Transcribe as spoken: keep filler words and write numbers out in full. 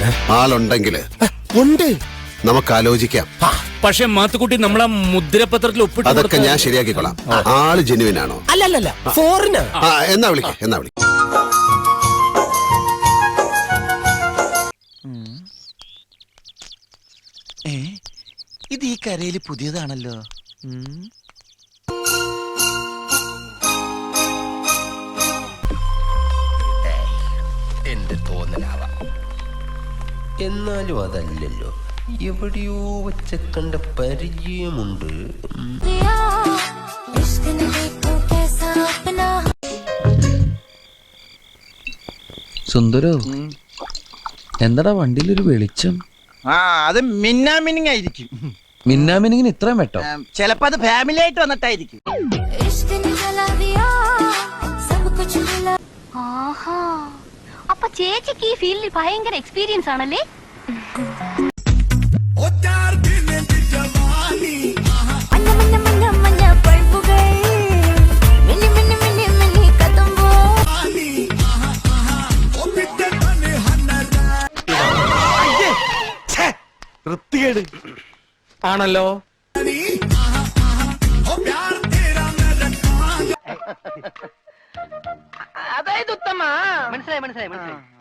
ആളുണ്ടെങ്കില് ഉണ്ട്, നമുക്ക് ആലോചിക്കാം. പക്ഷെ മാത്തുക്കുട്ടി നമ്മളെ മുദ്രപത്രത്തിൽ ഒപ്പിട്ട് അതൊക്കെ ഞാൻ ശരിയാക്കിക്കോളാം. ആള് ജെന്യുവിൻ ആണോ? അല്ലല്ല ഫോറിനാ. ആ എന്നാ വിളിക്ക എന്നാ വിളിക്ക ഇത് ഈ കരയിൽ പുതിയതാണല്ലോ. എന്റെ തോന്നലാവാം, എന്നാലും അതല്ലല്ലോ. എവിടെയോ വെച്ച കണ്ട പരിചയമുണ്ട്. സുന്ദരോ, എന്താടാ വണ്ടിയിലൊരു വെളിച്ചം? ആ അത് മിന്നാമിനിങ് ആയിരിക്കും. മിന്നാമിനിങ്ങിന് ഇത്രയും വെട്ടോ? ചിലപ്പോ അത് ഫാമിലി ആയിട്ട് വന്നിട്ടായിരിക്കും. അപ്പൊ ചേച്ചിക്ക് ഈ ഫീൽഡിൽ ഭയങ്കര എക്സ്പീരിയൻസ് ആണല്ലേ? വൃത്തികേട് ആണല്ലോ. അതായത് ഉത്തമ മനസ്സിലായി മനസ്സിലായി മനസ്സിലായി